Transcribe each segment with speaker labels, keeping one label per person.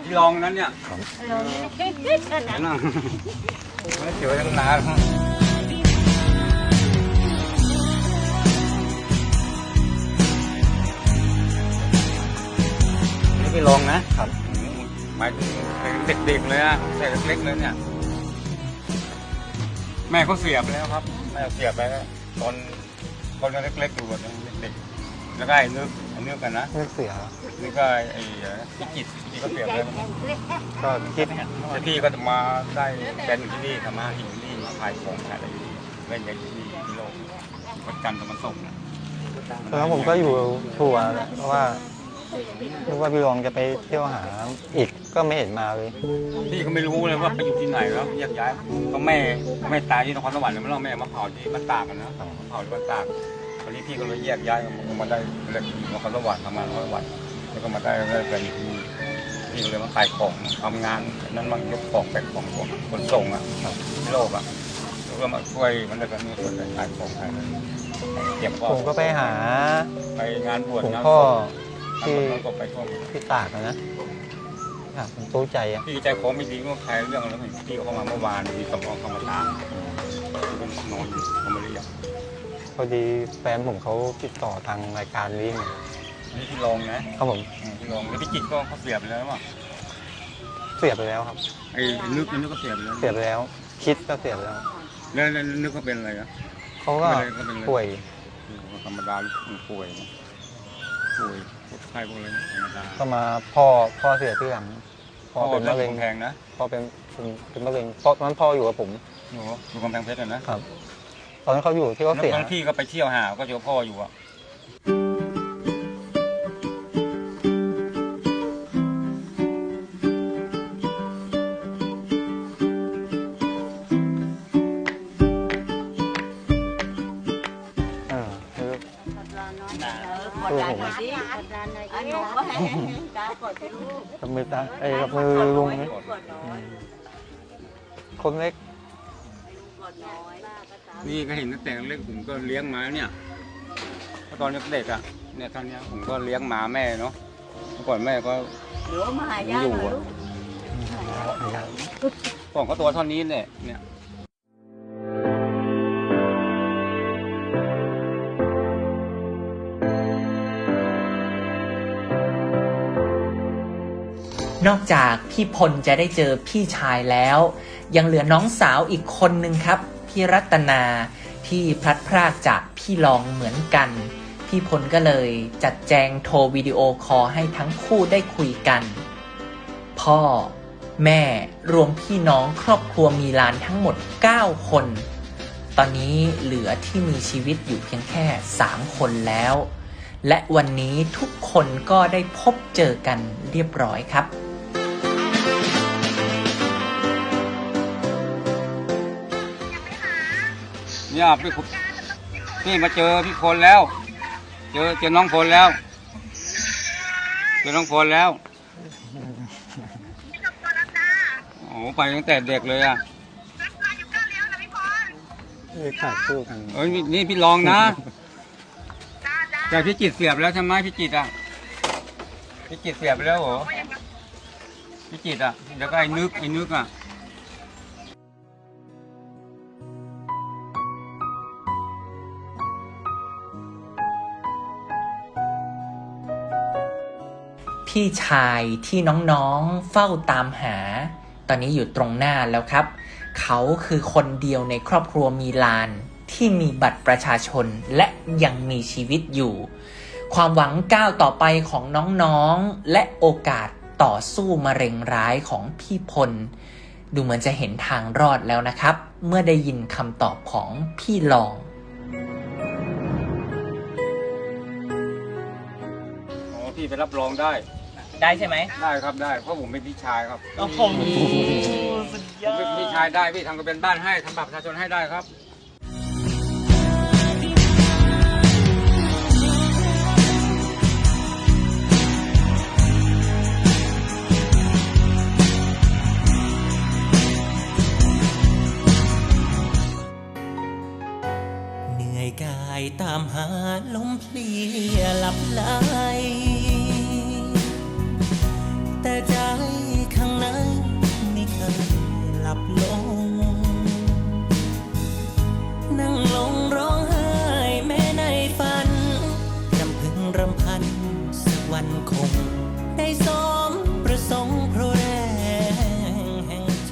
Speaker 1: ที่ลองนั้นเนี่ย
Speaker 2: ลอง
Speaker 1: นั่งไม่เจอตั้งนานนี่ไปลองนะครับหมายถึงเด็กๆเลยนะแต่เล็กๆเลยเนี่ยแม่เขาเสียบแล้วครับแม่เสียบไปแล้วตอนยังเล็กๆอยู่เด็กๆแล้วก็ไอ้นึกกันนะ
Speaker 3: นึกเสีย
Speaker 1: นี่ก็ไอ้พิจิตก็เสียบแล้ว
Speaker 3: ก็คิด
Speaker 1: แต่พี่ก็จะมาได้เป็นที่นี่ทำมาหินนี่มาขายของขายอะไรเล่นอย่างที่นี่ที่โลกวัดกันตะวันตกนะ
Speaker 3: แล้วผมก็อยู่ทัวร์เพราะว่านึกว่าพี่รองจะไปเที่ยวหาอีกก็ไม่เห็นมาเลย
Speaker 1: พี่ก็ไม่รู้เลยว่าไปอยู่ที่ไหนแล้วแยกย้ายก็แม่ตายที่นครสวรรค์เลยไม่รู้แม่มาเผาที่บ้านตากกันนะเผาที่บ้านตากตอนนี้พี่ก็เลยแยกย้ายมาได้เล็กนครสวรรค์ทำงานนครสวรรค์แล้วก็มาได้เป็นที่นี่พี่ก็เลยมาขายของทำงานนั้นมันยกของแบกของคนส่งอ่ะที่โลกอ่ะแล้วก็มาช่วยมันเลยก็มีคนขายของขายเก็บของ
Speaker 3: ผมก็ไปหา
Speaker 1: ไปงานบวช
Speaker 3: งานพ่อ
Speaker 1: ที่
Speaker 3: ตากนะผมตู้ใจอ่ะ
Speaker 1: พี่ใจคอไม่ดีก็ใครเรื่องแล้วพี่เข้ามาเมื่อวานมีสมองเข้ามาตามนอนเขาไม่ได้อยาก
Speaker 3: พอดีแฟนผมเขาติดต่อทางรายการนี้
Speaker 1: นี่พี่ลองนะครับ
Speaker 3: ผม
Speaker 1: พี่ลองแล้วพี่จิตก็เขาเสียบไปแล้วมั้ง
Speaker 3: เสียบไปแล้วครับ
Speaker 1: ไอ้นึกก็เสียบไปแล้ว
Speaker 3: คิดก็เสียบแล้ว
Speaker 1: นึกก็เป็นอะไรนะ
Speaker 3: เขาก็ป่วย
Speaker 1: ธรรมดาป่วยไข้พวกอะไรธรรมดา
Speaker 3: ก็มาพ่อเสียที่หลังพ่อเป็นมะเร็ง
Speaker 1: แพงนะ
Speaker 3: พ่อเป็นมะเร็งตอนนั้นพ่ออยู่กับผม
Speaker 1: อยู่กำแพงเพชร
Speaker 3: นะครับตอนนั้นเขาอยู่ที่เขาเสีย
Speaker 1: พี่ก็ไปเที่ยวหาก็เจอพ่ออยู่อ่ะ
Speaker 3: กับมือตากับมือลุงคนเล็ก
Speaker 1: นี่ก็เห็นตั้งแต่เล็กผมก็เลี้ยงมาเนี่ยตอนเด็กอ่ะเนี่ยตอนนี้ผมก็เลี้ยงหมาแม่เนาะเมื่อก่อนแม่ก็อยู่ก่อนก็ตัวเท่านี้เนี่ย
Speaker 4: นอกจากพี่พลจะได้เจอพี่ชายแล้วยังเหลือน้องสาวอีกคนนึงครับพี่รัตนาที่พลัดพรากจากพี่รองเหมือนกันพี่พลก็เลยจัดแจงโทรวิดีโอคอลให้ทั้งคู่ได้คุยกันพ่อแม่รวมพี่น้องครอบครัวมีหลานทั้งหมด9คนตอนนี้เหลือที่มีชีวิตอยู่เพียงแค่3คนแล้วและวันนี้ทุกคนก็ได้พบเจอกันเรียบร้อยครับ
Speaker 1: เนี่ยพี่มาเจอพี่พลแล้วเจอน้องพลแล้วโอ้ไปตั้งแต่เด็กเลยอ่ะ
Speaker 3: ขาดคู่กัน
Speaker 1: นี่พี่ลองนะแต่พี่จิตเสียบแล้วใช่ไหมพี่จิตเสียบไปแล้วเหรอพี่จิตอ่ะเดี๋ยวก็ไอ้นึกอ่ะ
Speaker 4: พี่ชายที่น้องๆเฝ้าตามหาตอนนี้อยู่ตรงหน้าแล้วครับเขาคือคนเดียวในครอบครัวมีลานที่มีบัตรประชาชนและยังมีชีวิตอยู่ความหวังก้าวต่อไปของน้องๆและโอกาสต่อสู้มะเร็งร้ายของพี่พลดูเหมือนจะเห็นทางรอดแล้วนะครับเมื่อได้ยินคำตอบของพี่ลอง
Speaker 1: พี่ไปรับรองได้
Speaker 4: ใช่ไหม
Speaker 1: ได้ครับได้เพราะผมเป็นพี่ชายครับ
Speaker 4: โอ้โหสุดยอด
Speaker 1: ผมเป็นพี่ชายได้พี่ทำกระเป็นบ้านให้ทำบัตรประชาชนให้ได้ครับ
Speaker 5: เหนื่อยกายตามหาลมเพลียหลับไหลแต่ใจคงได้สมประสงค์เพราะแรงแห่งใจ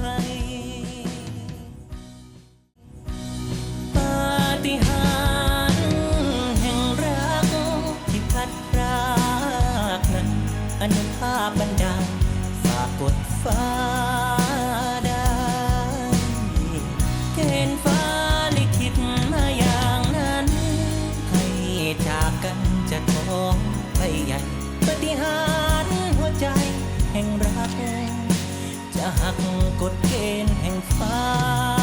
Speaker 5: ปาฏิหาริย์แห่งรักที่พัดพรากนั้นอนุภาพบันดาลฝากกดฟ้าได้เกณฑ์ฟ้าลิขิตมาอย่างนั้นให้จากกันจะท้องไปใหญ่ปาฏิหาริย์หัวใจแห่งรักจะหักกฎเกณฑ์แห่งฟ้า